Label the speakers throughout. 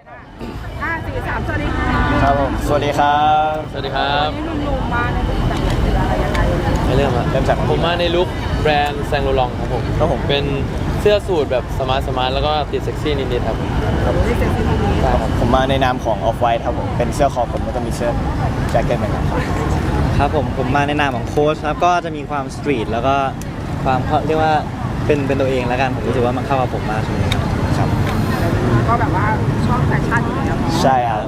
Speaker 1: 5 4 3สวัสดีค่ะ
Speaker 2: ครับผมสวัสดีครับ
Speaker 3: สวัสดีครับ
Speaker 1: นี่ลุงมาในลุคแต่งไหนหรืออะไรยังไง
Speaker 3: ไม่เริ่มอะ
Speaker 2: เริ่มจาก
Speaker 3: ผมมาในลุคแบรนด์แซงโลลองครับผม
Speaker 2: ครับผม
Speaker 3: เป็นเสื้อสูทแบบสมาร์ทแล้วก็ติดเซ็กซี่นิดๆครับ
Speaker 1: นี่เซ็กซี่ลุคนี้
Speaker 2: ครับผมมาในนามของ Off White ครับผมเป็นเสื้อคอผมแล้วก็มีเสื้อแจ็คเก็ตเหมือนกันครับ
Speaker 4: ครับผมมาในนามของโค้ชครับก็จะมีความสตรีทแล้วก็ความเรียกว่าเป็นตัวเองแล้วกันผมรู้สึกว่ามันเข้ากับผมมากช่วงนี้ครับ
Speaker 1: ก็แบบว่าชอบแฟชั่นอยู่แล้ว
Speaker 2: ใช่ครับ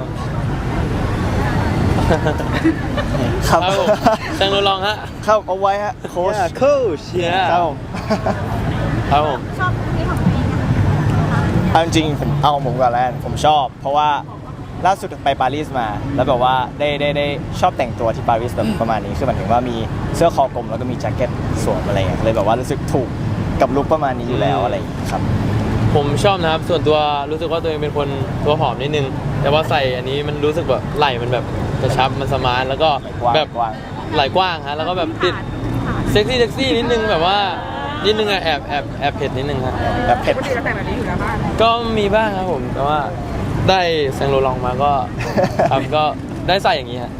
Speaker 2: ครับ
Speaker 3: ครับผมแซงโลลองฮะ
Speaker 2: เข้าเอาไว้ฮะโค้ช
Speaker 4: โค้ช
Speaker 3: Yeah
Speaker 2: ครับผม
Speaker 3: ครับผม
Speaker 1: ชอบนี่ของตัวเองนะคะ
Speaker 2: เอาจริงๆผมเอาของผมก่อนแล้วกันผมชอบ เพราะว่าล่าสุดไปปารีสมา แล้วแบบว่าได้ชอบแต่งตัวที่ปารีสแบบประมาณนี้คือหมายถึงว่ามีเสื้อคอกลมแล้วก็มีแจ็คเก็ตสวมอะไรอย่างเงี้ยเลยแบบว่ารู้สึกถูกกับลุคประมาณนี้อยู่แล้วอะไรอย่างเงี้ยครับ
Speaker 3: ผมชอบนะครับส่วนตัวรู้สึกว่าตัวเองเป็นคนตัวผอมนิดนึง แต่ว่าใส่อันนี้มันรู้สึกแบบไหล่มันแบบกระชับมันสมาร์ทแล้วก็แบบ
Speaker 2: กว้าง
Speaker 3: ไหล่กว้างฮะแล้วก็แบบติดเซ็กซี่นิดนึงแบบว่านิดนึงอะแอบเผ็ดนิดนึงครับ
Speaker 2: แบบเผ็ด
Speaker 1: ปกติเราแต่งแบบนี้อยู่แล้วบ้าง
Speaker 3: ก็มีบ้างครับผมแต่ว่าได้แซงโลลองมาก็ครับก็ได้ใส่อย่างนี้ฮะ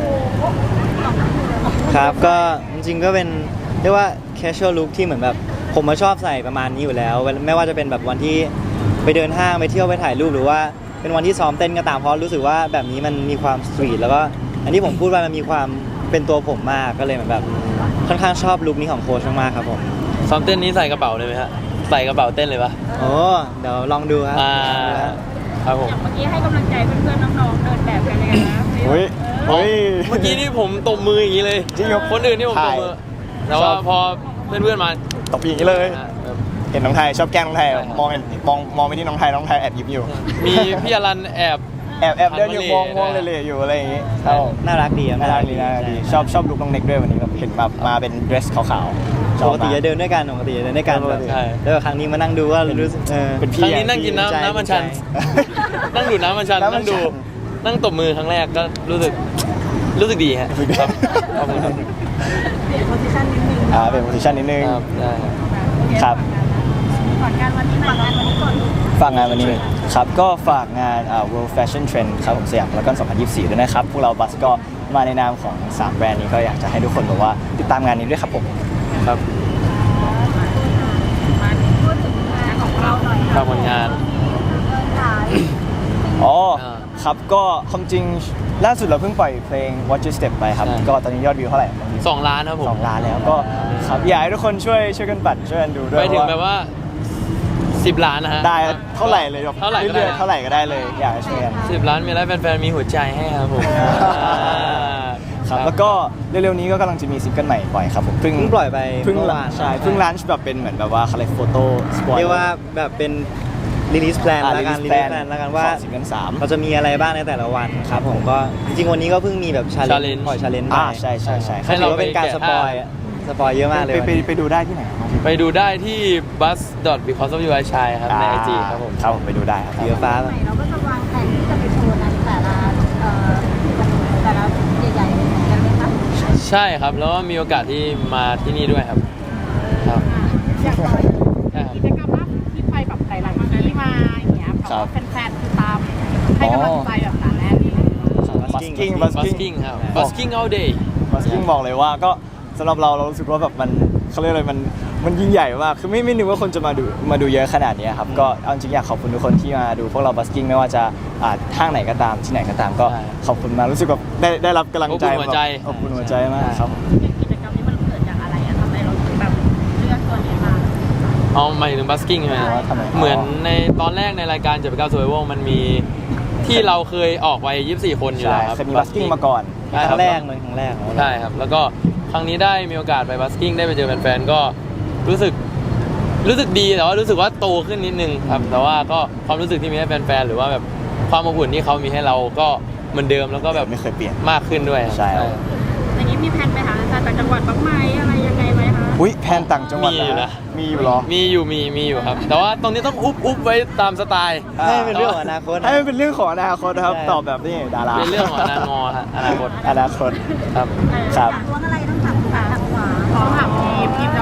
Speaker 4: ครับก็จริงๆก็เป็นเรียกว่า casual look ที่เหมือนแบบผมมาชอบใส่ประมาณนี้อยู่แล้วไม่ว่าจะเป็นแบบวันที่ไปเดินห้างไปเที่ยวไปถ่ายรูปหรือว่าเป็นวันที่ซ้อมเต้นก็ตามเพราะรู้สึกว่าแบบนี้มันมีความสตรีทแล้วก็อันที่ผมพูดว่ามันมีความเป็นตัวผมมากก็เลยเหมือนแบบค่อนข้างชอบลุคนี้ของโค้ชมากๆครับผม
Speaker 3: ซ้อมเต้นนี้ใส่กระเป๋าเลยไหมฮะใส่กระเป๋าเต้นเลยปะ
Speaker 4: โอ้เดี๋ยวลองดูครับ
Speaker 3: ครับผม
Speaker 1: เมื่อกี้ให้กำลังใจเพื่อนๆน้องๆเดินแบบกันยังไงนะ
Speaker 2: เฮ้ยเฮ้ย
Speaker 3: เมื่อกี้นี่ผมตบมืออย่างนี้เลย
Speaker 2: จริงเหรอ
Speaker 3: คนอื่นนี่ผมตบมือ
Speaker 2: ใช่
Speaker 3: แต่ว่าพอเพื่อนๆมา
Speaker 2: ตบอย่างนี้เลย
Speaker 3: แบบ
Speaker 2: เห็นน้องไทยชอบแกล้งน้องไทย
Speaker 3: ใช่ครับ
Speaker 2: มองไปที่น้องไทยแอบยิ้มอยู่
Speaker 3: มีพี่อรันแอบ
Speaker 2: แอบเดินอยู่ม
Speaker 3: หั
Speaker 2: อง
Speaker 3: นมาเหล่
Speaker 2: เล่อยู่อะไรอย่างงี้
Speaker 3: ใช่
Speaker 4: น่ารักดีครับ
Speaker 2: น่ารักดีชอบลุคน้องเน็กด้วยวันนี้แบบเห็นแบบมาเป็นเดรสขาวๆช
Speaker 4: ป
Speaker 2: อบ
Speaker 4: กติ
Speaker 2: มา
Speaker 4: จะเดินด้วยกันปกติจะเดินด้วยกัน
Speaker 2: ปกติ
Speaker 4: ใช่แล้วครั้งนี้มานั่งดูว่ารู้สึก
Speaker 2: เป็น
Speaker 3: ค
Speaker 2: พี่
Speaker 3: รั้งนี้นั่งกิน
Speaker 4: ดีใจ
Speaker 3: น้ำมันชัน นั่งดูดน้ำมันชัน
Speaker 2: น้ำมันชัน
Speaker 3: นั่งดูนั่งตบมือครั้งแรกก็รู้สึกดีฮะครับขอบคุณครับ
Speaker 1: เปลี่ยนโพสิชันนิดนึง
Speaker 2: เป็นโพสิชันนิดนึง
Speaker 3: ครับได้ครับ
Speaker 2: ครับ
Speaker 1: ก่อนงานวันนี้ก่อน
Speaker 2: ฝากงานวันนี้ครับก็ฝากงาน World Fashion Trend ครับผมสยามพารากอน2024 ด้วยนะครับ พวกเราบัสก็มาในนามของ 3 แบรนด์นี้ก็อยากจะให้ทุกคนบอกว่าติดตามงานนี้ด้วยครับผม
Speaker 3: ครับ
Speaker 1: มาพูดถึงงานของเราหน่อย
Speaker 3: ฝากผลงาน
Speaker 2: อ๋อ
Speaker 3: อ่า
Speaker 2: ครับก็ความจริงล่าสุดเราเพิ่งปล่อยเพลง Watch Your Step ไปครับ
Speaker 3: ใช่
Speaker 2: ก็ตอนนี้ยอดวิวเท่าไหร่
Speaker 3: 2 ล้านครับผม
Speaker 2: 2 ล้านแล้วก็ครับอยากให้ทุกคนช่วยกันปั่นช่วยกันดูด้วย
Speaker 3: ไปถึง
Speaker 2: ว่า
Speaker 3: แบบว่า 10 ล้านนะฮะ
Speaker 2: ได้เท่าไหร่เลยแบบ
Speaker 3: เท่าไหร่ก็ได้
Speaker 2: เรื่อยๆเท่าไหร่ก็ได้เลยอยากให้ช่วยกัน
Speaker 3: 10 ล้านมีอะไรแฟนๆมีหัวใจให้ครับผม
Speaker 2: ครับแล้วก็เร็วๆนี้ก็กำลังจะมีซิงเกิลใหม่ปล่อยครับผมเพิ่ง
Speaker 4: ปล่อยไป
Speaker 2: เพิ่ง
Speaker 4: เมื่อวาน
Speaker 2: ใช่เพิ่งลันช์แบบเป็นเหมือนแบบว่าเขาเรียกโฟโต้สปอย
Speaker 4: เรียกว่าแบบเป็น release plan แล้วกัน release plan แล้วกันว่า
Speaker 2: ซิงเกิล3
Speaker 4: เราจะมีอะไรบ้างในแต่ละวันครับผมก็จริงๆวันนี้ก็เพิ่งมีแบบ challenge ปล่อย challenge ไป
Speaker 2: ใช่
Speaker 4: ถือว่าเป็นการสปอยเยอะมากเลยวันนี้
Speaker 2: ไปดูได้ที่ไหนครับ
Speaker 3: ไปดูได้ที่ bus because of you I shine ครับใน IG ครับผม
Speaker 2: ครับผมไปดูได้ครับ
Speaker 4: สีฟ้า
Speaker 1: ใหม่เราก็จะวางแผนที่จะไปโชว์ในแต่ละใหญ่ๆกันไหมคะ
Speaker 3: ใช่ครับ แล้วก็มีโอกาสที่มาที่นี่ด้วยครับ ครับ
Speaker 1: อยากไป
Speaker 3: ใช่ครับ
Speaker 1: กิจกรรมล่าสุดที่ไปแบบหลายๆที่มาอย่างเงี้ยเพราะว่าแฟนๆคือตามให้กำลังใจแบบหนาแน่น
Speaker 2: Busking
Speaker 3: busking ครับ busking all day
Speaker 2: บัสกิ้งบอกเลยว่าก็สำหรับเรารู้สึกว่าแบบมันเขาเรียกอะไรมันยิ่งใหญ่มากคือไม่นึกว่าคนจะมาดูเยอะขนาดนี้ครับก็เอาจริงอยากขอบคุณทุกคนที่มาดูพวกเราบัสกิ้งไม่ว่าจะห้างไหนก็ตามที่ไหนก็ตามก็
Speaker 3: ใช่
Speaker 2: ขอบคุณมากรู้สึกแบบได้รับกำลังใจ
Speaker 3: อบอุ่นหัวใจ
Speaker 2: แบบอบอุ่นหัวใจมากครับ
Speaker 1: กิจกรรมนี้มันเกิดจากอะไรอะทำไมเราถึงแบบเลือกตัวนี้มา
Speaker 3: เอาหมายถึง busking ใช่ไหม
Speaker 2: ทำไม
Speaker 3: เหมือนในตอนแรกในรายการ79 Survival มันมีที่เราเคยออกไป24 คนอยู่
Speaker 2: ใช่
Speaker 3: แล้วครับ
Speaker 2: เคยมีบัสกิ้งมาก่อน
Speaker 3: ใช่
Speaker 4: ค
Speaker 3: ครั
Speaker 4: รั้
Speaker 3: บ
Speaker 4: งแรกเลยครั้งแรก
Speaker 3: ใช่ครับ แล้วก็ครั้งนี้ได้มีโอกาสไปบัสกิ้งได้ไปเจอแฟนๆก็รู้สึกดีแต่ว่ารู้สึกว่าโตขึ้นนิดนึงครับแต่ว่าก็ความรู้สึกที่มีให้แฟนๆหรือว่าแบบความอบอุ่นที่เขามีให้เราก็เหมือนเดิมแล้วก็แบบ
Speaker 2: ไม่เคยเปลี่ยน
Speaker 3: มากขึ้นด้วยครับ
Speaker 2: ใช่ครับ
Speaker 1: อย่างนี้มีแผนไปหาต่างจังหวัดบ้างไหมอะไรยังไงไหมคะ
Speaker 2: อุ้ยแพนต่างจังหวัด
Speaker 3: มีอยู่นะ
Speaker 2: มีอยู่เหรอ
Speaker 3: มีอยู่ครับ แต่ว่าตรงนี้ต้องอุบไว้ตามสไตล์
Speaker 4: ให้เป็นเรื่องของอนาคต
Speaker 2: ให้มันเป็นเรื่องของอนาคตนะครับ
Speaker 4: ใช่
Speaker 2: ตอบแบบนี้ดารา
Speaker 3: เป็นเรื่องของอนาคตฮะอนาคต
Speaker 2: อนาคต
Speaker 3: ครับ
Speaker 2: ครับ
Speaker 1: ตัวอะไรต้องถามขวาขอถามทีมจะบอกคน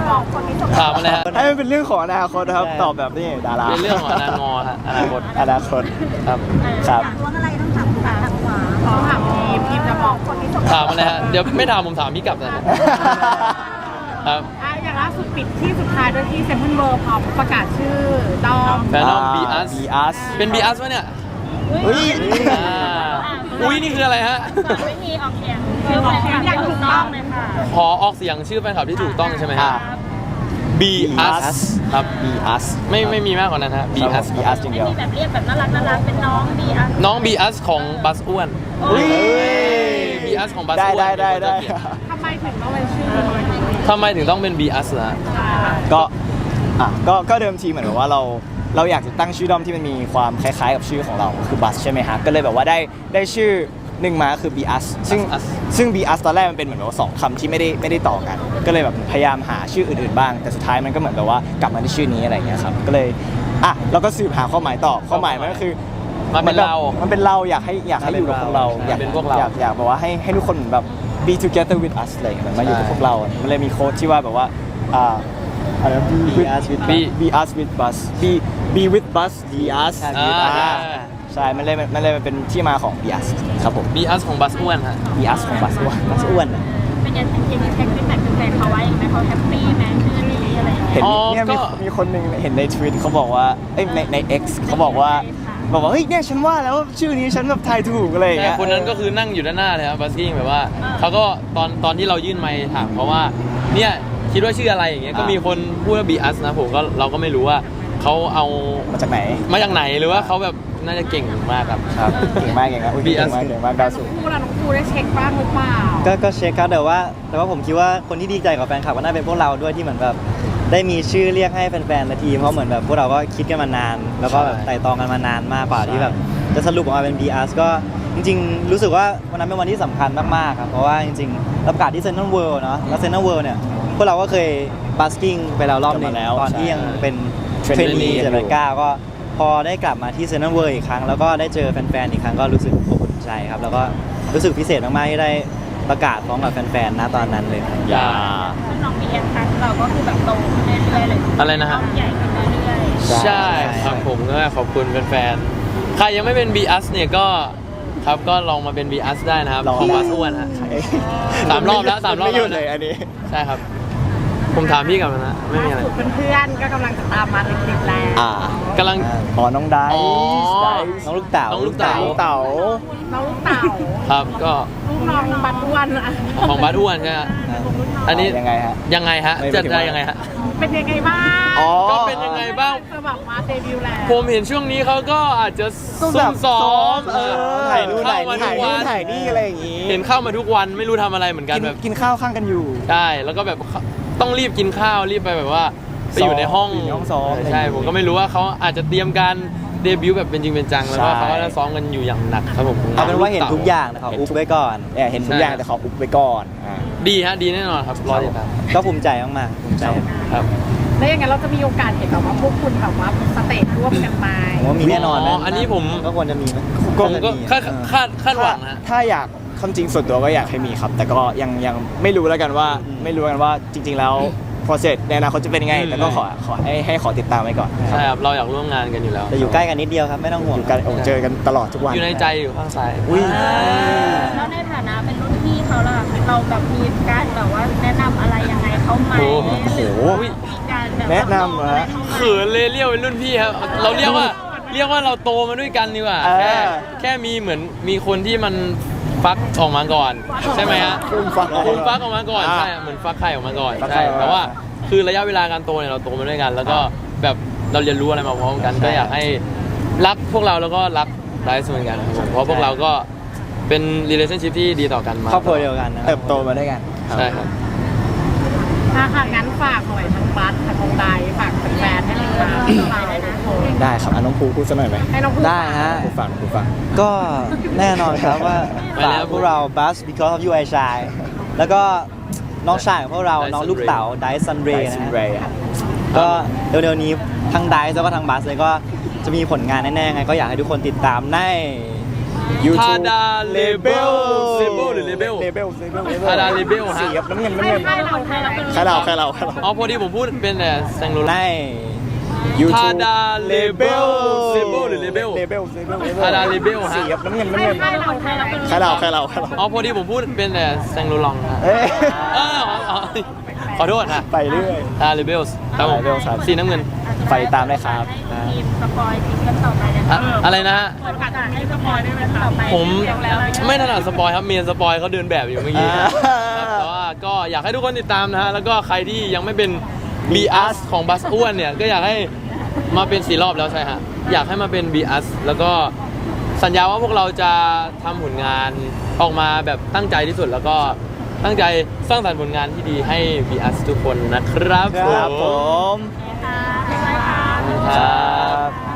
Speaker 3: ถามอะไรฮะ
Speaker 2: ให้มันเป็นเรื่องของอนาคตนะครับ ตอบแบบนี้ดารา
Speaker 3: เป็นเรื่องของอนาคตฮะอนาคต
Speaker 2: อนาคต
Speaker 3: ครับ
Speaker 2: ครับ
Speaker 5: ล้วงอะไรต้องถามคุณถามขวา
Speaker 1: ต้องถามทีมจะบอกคนที่ส่ง
Speaker 3: ถามอะไรฮะเดี๋ยวไม่ถามผมถามพี่กลับนะฮะครับ
Speaker 1: อย่างล่าสุดปิดที่สุดท้ายด้วยที่เซนทรัลเวิลด์พร้อมประกาศชื่อดอม
Speaker 3: แฟนน้องบีอัส
Speaker 2: บีอัส
Speaker 3: เป็นบีอัสวะเนี่ย
Speaker 2: เฮ้ย
Speaker 3: อ่าอุ้ยนี่คืออะไรฮะ
Speaker 5: วิธีออกเสียงชื่อแฟนคลับอย่างถูกต้องเลยค่ะ
Speaker 3: ขอออกเสียงชื่อแฟนคลับที่ถูกต้องใช่ไหมฮะ บีอัสครับ
Speaker 2: บีอัส
Speaker 3: ไม่มีมากกว่านั้นฮะบีอัส
Speaker 2: บีอัสจริงเดียว
Speaker 5: มีแบบเรียกแบบน่ารักเป็นน้องดีอ่ะ
Speaker 3: น้องบีอัสของบัสอ้วน
Speaker 2: อุ้ย
Speaker 3: บีอัสของบัส
Speaker 2: ได้
Speaker 3: อ้วน
Speaker 2: ได้
Speaker 1: ทำไมถึงต้องเป็นชื่อ
Speaker 3: ทำไมถึงต้องเป็นบีอัสล่ะ
Speaker 2: ก็ก็เดิมทีเหมือนแบบว่าเราอยากจะตั้งชื่อด้อมที่มันมีความคล้ายๆกับชื่อของเราคือบัสใช่ไหมฮะก็เลยแบบว่าได้ชื่อหนึ่งมาคือ b ีอัสซึ่ง b ีอัสตอนแรกมันเป็นเหมือนว่าสองคำที่ไม่ได้ต่อกัน ก็เลยแบบพยายามหาชื่ออื่นๆบ้าง แต่สุดท้ายมันก็เหมือนแบบว่ากลับมาที่ชื่อนี้อะไรอย่างเงี้ยครับก็เลยเราก็สืบหาความหมายต่อความหมายมันก็คือ
Speaker 3: มันเป็นเรา
Speaker 2: มันเป็นเราอยากให้อยู่กับพวกเรา อยาก
Speaker 3: เป็นพวกเรา
Speaker 2: อยากแบบว่าให้ทุกคนแบบ be together with us อะไรอย่างเงี้ยมาอยู่กับพวกเรา มันเลยมีโค้ดที่ว่าแบบว่าอะไรนะ
Speaker 4: Be us with
Speaker 2: be us with bus be with bus be us ใช่มันเลยเป็นที่มาของ be us ครับผม
Speaker 3: บีอัสของบัสอ้วนฮะ
Speaker 2: be us ของ bus ว่า
Speaker 4: บัสอ้วนอะ
Speaker 5: เป็นยังไงเช็คฟีดแบ็กแฟนเขาไว้ไหมเขาแฮปปี้ไหมชื่อนี้อะไรอย่างเงี้ย
Speaker 2: เห็น
Speaker 3: อ๋อ
Speaker 2: เนี่ย
Speaker 3: ก็
Speaker 2: มีคนหนึ่งเห็นในทวิตเขาบอกว่าใน X เขาบอกว่าเฮ้ยเนี่ยฉันว่าแล้วว่าชื่อนี้ฉันแบบทายถูกอะไรอย่าง
Speaker 3: แต่
Speaker 2: เงี้ย
Speaker 3: คนนั้นก็คือนั่งอยู่ด้านหน้าเลยครับบัสกิ้งแบบว่าเขาก็ตอนที่เรายื่นไมค์ถามเขาว่าเนี่ยคิดว่าชื่ออะไรอย่างเงี้ยก็มีคนพูดว่าบีอัสนะผมก็เราก็ไม่รู้ว่าเขาเอา
Speaker 2: มาจากไหน
Speaker 3: มาจากไหนหรือว่าเขาแบบน่าจะเก่งมากครับ
Speaker 2: ครับเก่งมากอุ๊ย
Speaker 3: Be
Speaker 2: เก่
Speaker 3: us
Speaker 2: งมากดาวสูง
Speaker 1: คู่เราน้องครูได้เช็คบ้างหรือเปล่า
Speaker 4: ก็เช็คครับแต่ว่าผมคิดว่าคนที่ดีใจกับแฟนคลับก็น่าเป็นพวกเราด้วยที่เหมือนแบบได้มีชื่อเรียกให้แฟนๆในทีมเพราะเหมือนแบบพวกเราก็คิดกันมานาน แล้วก็แบบไต่ตองกันมานานมากกว่าที่แบบจะสรุปออกมาเป็น BRS ก็จริงๆ รู้สึกว่าวันนั้นเป็นวันที่สำคัญมากๆครับเพราะว่าจริงๆเราประกาศที่เซ็นทรัลเวิลด์เนาะแล้วเซ็นทรัลเวิลด์เนี่ยพวกเราก็เคยบัสกิ้งไปแล้วรอบหนึงตอนที่ยังเป็นเทรนนีเจ็ดแปดเก้าก็พอได้กลับมาที่เซ็นทรัลเวิลด์อีกครั้งแล้วก็ได้เจอแฟนๆอีกครั้งก็รู้สึกอบอุ่นใจครับแล้วก็รู้สึกพิเศษมากๆที่ได้ประกาศพร้อมกับแฟนๆณตอนนั้นเลยครับ
Speaker 3: อย่า
Speaker 5: ซึ่งน้องบีเอ็นทักเราก็คือแบบโตขึ้นเรื่อยๆเลย
Speaker 3: อะไรนะฮะ
Speaker 5: ใหญ่ขึ้นเรื่อย
Speaker 3: ใช่ครับผมก็ขอบคุณแฟนๆใครยังไม่เป็นบีอัสเนี่ยก็ครับก็ลองมาเป็นบีอัสได้นะครับของบัสอ้วนฮะ สามรอบแล้วสามรอบแล้ว
Speaker 2: ไม่หยุดเลยอันนี้
Speaker 3: ใช่ครับ ผมถามพี่กลับมานะไม่มีอะไร
Speaker 1: ล่าสุดเพื่อนๆก็กำลังจะตามมาติดๆแล้ว
Speaker 3: กำลัง
Speaker 2: น้องได
Speaker 3: อ๋อ
Speaker 4: น้องลูกเต๋า
Speaker 3: น้องลูกเต๋า
Speaker 2: เต๋า
Speaker 1: น้องลูกเต่า
Speaker 3: ครับก็
Speaker 1: ลูกน้องบัตอ้วนอะ
Speaker 3: ของบัสอ้วนใช่ไหมฮะอันนี้
Speaker 2: ยังไงฮะ
Speaker 3: ยังไงฮะ
Speaker 2: ไม่
Speaker 3: จัด
Speaker 2: ถึง
Speaker 3: ได้
Speaker 2: ว่า
Speaker 3: ยังไงฮะ
Speaker 1: เป็นยังไงบ้าง
Speaker 2: อ๋อ
Speaker 3: ก็เป็นยังไงบ้าง
Speaker 1: จะแบบมาเดบิวต์แล้ว
Speaker 3: ผมเห็นช่วงนี้เขาก็อาจจะซุ่มซ้อม
Speaker 2: ถ่ายนู่น
Speaker 3: เข้ามาทุ
Speaker 2: ถ่าก ย
Speaker 3: วั
Speaker 2: นู่น
Speaker 3: น
Speaker 2: ถ่ายนี่อะไรอย่างงี้
Speaker 3: เห็นเข้ามาทุกวันไม่รู้ทำอะไรเหมือนกันแบบ
Speaker 2: กินข้าวข้างกันอยู่
Speaker 3: ใช่แล้วก็แบบต้องรีบกินข้าวรีบไปแบบว่าไปอยู่ในห้อง
Speaker 2: อยู่ในห้องซ้อม
Speaker 3: ใช่ผมก็ไม่รู้ว่าเขาอาจจะเตรียมการเดบิวต์แบบเป็นจริงเป็นจังแล้วก็
Speaker 2: ใช่
Speaker 3: เขาก็จะซ้อมกันอยู่อย่างหนักครับผม
Speaker 4: เอาเป็นว่าเห็นทุกอย่างนะครับอุ๊บไว้ก่อน
Speaker 2: เนี่ยเห็นทุกอย่างแต่ขออุบไว้ก่อนอ่า
Speaker 3: ดีฮะดีแน่นอนครับรอติดตาม
Speaker 4: ก็ภูมิใจมากๆภูมิใจ
Speaker 3: ครับ
Speaker 1: แล้วยังไงเราจะมีโอกาสเห็นแบบว่าพวกคุณแบบว่าสเตจร่วมกันไหม
Speaker 4: ผมว่ามีแน่นอน
Speaker 3: อ๋ออันนี้ผม
Speaker 4: ก็ควรจะมีไหม
Speaker 3: ผมก็คาดหวังนะ
Speaker 2: ถ้าอยากความจริงส่วนตัวก็อยากให้มีครับ แต่ก็ยังไม่รู้แล้วกันว่าจริง ๆ แล้ว process ในอนาคตจะเป็นยังไง แต่ก็ขอให้ขอติดตามไว้ก่อน
Speaker 3: ใช่ครับเราอยากร่วมงานกันอยู่แล้ว
Speaker 4: แต่อยู่ใกล้กันนิดเดียวครับไม่ต้องห่วง
Speaker 2: อยู่กันเจอกันตลอดทุกวัน
Speaker 3: อยู่ในใจอยู่ข้างซ้าย
Speaker 2: อุ้ย
Speaker 5: ๆแล้วในฐานะเป็นรุ่นพี่เขาล่ะเราแบบมีการแบบว่าแนะนำอะไรยังไงเขาไหม
Speaker 3: โอ้โห
Speaker 5: หรือว่ามีการแบบ
Speaker 2: แนะนำเหรอฮะ
Speaker 3: เขินเลยเรียกเป็นรุ่นพี่ครับเราเรียกว่าเราโตมาด้วยกันดีกว่า
Speaker 2: เออ
Speaker 3: แค่มีเหมือนมีคนที่มันฟักออกมาก่อน ใช่ไหมฮะ
Speaker 2: คุณฟัง
Speaker 3: คุณฟักออกมาก่อนใช่เหมือนฟักไข่ออกมาก่อน
Speaker 2: ฟักไข่
Speaker 3: ใช่
Speaker 2: ออกมา
Speaker 3: แต่ว่าคือระยะเวลาการโตเนี่ยเราโตมาด้วยกัน แล้วก็แบบเราเรียนรู้อะไรมาพร้อมกันก็อยากให้รักพวกเราแล้วก็รักไดซ์เหมือนกันครับผมเพราะพวกเราก็เป็น relationship ที่ดีต่อกันมา
Speaker 4: ครอบครัวเดียวกันนะ
Speaker 2: เติบโตมาด้วยกัน
Speaker 3: ใช่ครับ
Speaker 1: ค่ะงั้นฝากหน่อยทั้งบัสทั้งวงไดฝากแฟนๆให้ติดตามเราได้นะ
Speaker 2: ได้ครับน้องภูพูดสักหน่อยไหม
Speaker 1: ให้น้องพูด
Speaker 4: ได้ฮะ
Speaker 2: ภูฟัง
Speaker 4: ก็แน่นอนครับว่า
Speaker 3: ไป
Speaker 4: ฝา
Speaker 3: แล้
Speaker 4: ก
Speaker 3: ว
Speaker 4: พวกเรา Buzz because of you I shine แล้วก็น้องชายของพวกเรา
Speaker 3: Dyson
Speaker 4: น้องลูกเต๋า Dyson Ray
Speaker 2: ซิ
Speaker 4: นะ
Speaker 2: น
Speaker 4: ฮะ
Speaker 2: เรย์
Speaker 4: ก็เร็วๆนี้ทั้ง Dice แล้วก็ทั้ง Buzz เลยก็จะมีผลงานแน่ๆไงก็อยากให้ทุกคนติดตามใน
Speaker 2: YouTube
Speaker 3: ทาดาเลเบลเซเบิลหรือเลเบล
Speaker 2: เลเบล
Speaker 3: ทาดาเลเบลฮะ
Speaker 2: สีครับน้ำเงินน้ำเงิน
Speaker 5: ให้เราเป็น
Speaker 2: ใครเราใครเรา
Speaker 3: อ๋อพอดีผมพูดเป็นแต่แซงโร
Speaker 4: ใน
Speaker 3: ล่า
Speaker 2: YouTube
Speaker 3: ทาดาเลเบลเซเบิลหรือเลเบล
Speaker 2: เลเบล
Speaker 3: ทาดาเลเบลฮะ
Speaker 2: สีครับน้ำเงินน้ำเงิน
Speaker 5: ให้เราเป็น
Speaker 2: ใครเราใครเรา
Speaker 3: อ๋อพอดีผมพูดเป็นแต่แซงโรลองฮะ
Speaker 2: เอ้ย
Speaker 3: ขอโทษฮะ
Speaker 2: ไปเรื่อย
Speaker 3: ทาดาเลเบลครับผม
Speaker 2: Rebels ครับ
Speaker 3: สีน้ำเงิน
Speaker 2: ไปตามได้ครับ
Speaker 5: ให้ทีมสปอยทีมกันต่อไปนะ
Speaker 3: อะอะไรนะฮะ
Speaker 5: เปิดโอกาสให้สปอยได้ไหมต่อไป
Speaker 3: ผมไม่ถนัดสปอยครับเมียนสปอยเขาเดินแบบอยู่เมื่อกี้ครับแต่ว่าก็อยากให้ทุกคนติดตามนะฮะแล้วก็ใครที่ยังไม่เป็น B us ของบัสอ้วนเนี่ยก็อยากให้มาเป็น4 รอบแล้วใช่ฮะอยากให้มาเป็น B us แล้วก็สัญญาว่าพวกเราจะทำผลงานออกมาแบบตั้งใจที่สุดแล้วก็ตั้งใจสร้างสรรค์ผลงานที่ดีให้ B us ทุกคนนะครับ
Speaker 2: ครับผม
Speaker 5: ค่ะบ๊ายบายค่ะ
Speaker 3: ครับ